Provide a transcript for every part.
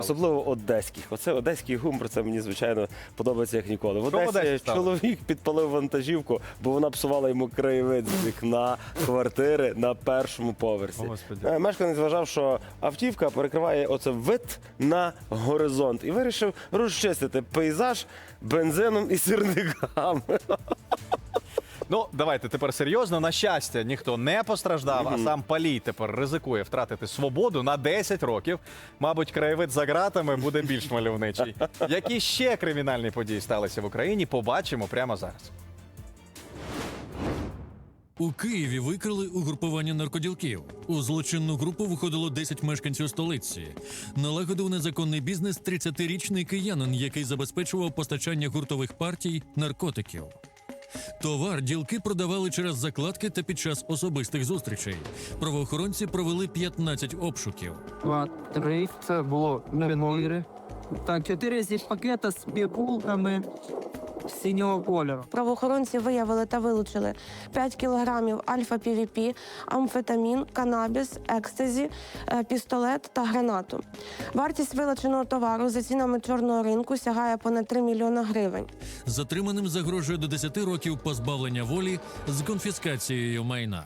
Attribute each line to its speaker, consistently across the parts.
Speaker 1: Особливо одеських. Оце одеський гумор, це мені, звичайно, подобається як ніколи. В
Speaker 2: Що в Одесі
Speaker 1: Одесі
Speaker 2: сталося?
Speaker 1: чоловік підпалив вантажівку, бо вона псувала йому краєвид з вікна квартири на першому поверсі.
Speaker 2: О, Господи.
Speaker 1: Мешканець вважав, що автівка перекриває оце вид на горизонт і вирішив розчистити пейзаж бензином і сірниками.
Speaker 2: Ну, давайте тепер серйозно. На щастя, ніхто не постраждав, а сам палій тепер ризикує втратити свободу на 10 років. Мабуть, краєвид за ґратами буде більш мальовничий. Які ще кримінальні події сталися в Україні, побачимо прямо зараз.
Speaker 3: У Києві викрили угрупування наркоділків. У злочинну групу виходило 10 мешканців столиці. Налагодив незаконний бізнес 30-річний киянин, який забезпечував постачання гуртових партій наркотиків. Товар ділки продавали через закладки та під час особистих зустрічей. Правоохоронці провели 15 обшуків.
Speaker 4: 2, 3. Це було 4. Так, 4 зі пакета з пігулками синього кольору.
Speaker 5: Правоохоронці виявили та вилучили 5 кілограмів альфа-півіпі, амфетамін, канабіс, екстазі, пістолет та гранату. Вартість вилученого товару за цінами чорного ринку сягає понад 3 мільйона гривень.
Speaker 3: Затриманим загрожує до 10 років позбавлення волі з конфіскацією майна.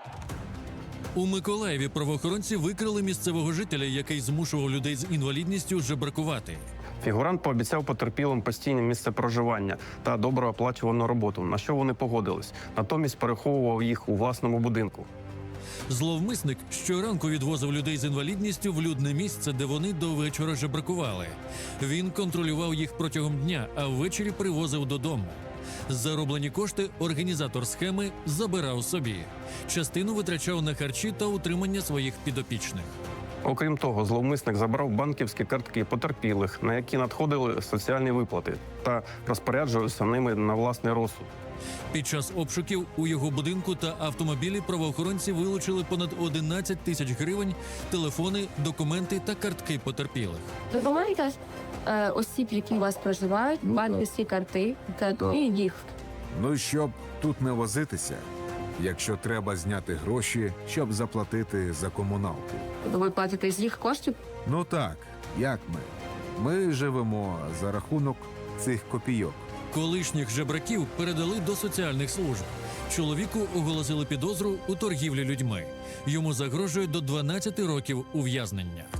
Speaker 3: У Миколаєві правоохоронці викрили місцевого жителя, який змушував людей з інвалідністю жебракувати.
Speaker 6: Фігурант пообіцяв потерпілим постійне місце проживання та добре оплачувану роботу, на що вони погодились. Натомість переховував їх у власному будинку.
Speaker 3: Зловмисник щоранку відвозив людей з інвалідністю в людне місце, де вони до вечора жебракували. Він контролював їх протягом дня, а ввечері привозив додому. Зароблені кошти організатор схеми забирав собі. Частину витрачав на харчі та утримання своїх підопічних.
Speaker 6: Окрім того, зловмисник забрав банківські картки потерпілих, на які надходили соціальні виплати, та розпоряджувався ними на власний розсуд.
Speaker 3: Під час обшуків у його будинку та автомобілі правоохоронці вилучили понад 11 тисяч гривень, телефони, документи та картки потерпілих.
Speaker 7: Документи осіб, які у вас проживають, банківські карти і їх.
Speaker 8: Ну, щоб тут не возитися, якщо треба зняти гроші, щоб заплатити за комуналку.
Speaker 7: Ви платите з їх коштів?
Speaker 8: Ну так, як ми? Ми живемо за рахунок цих копійок.
Speaker 3: Колишніх жебраків передали до соціальних служб. Чоловіку оголосили підозру у торгівлі людьми. Йому загрожує до 12 років ув'язнення.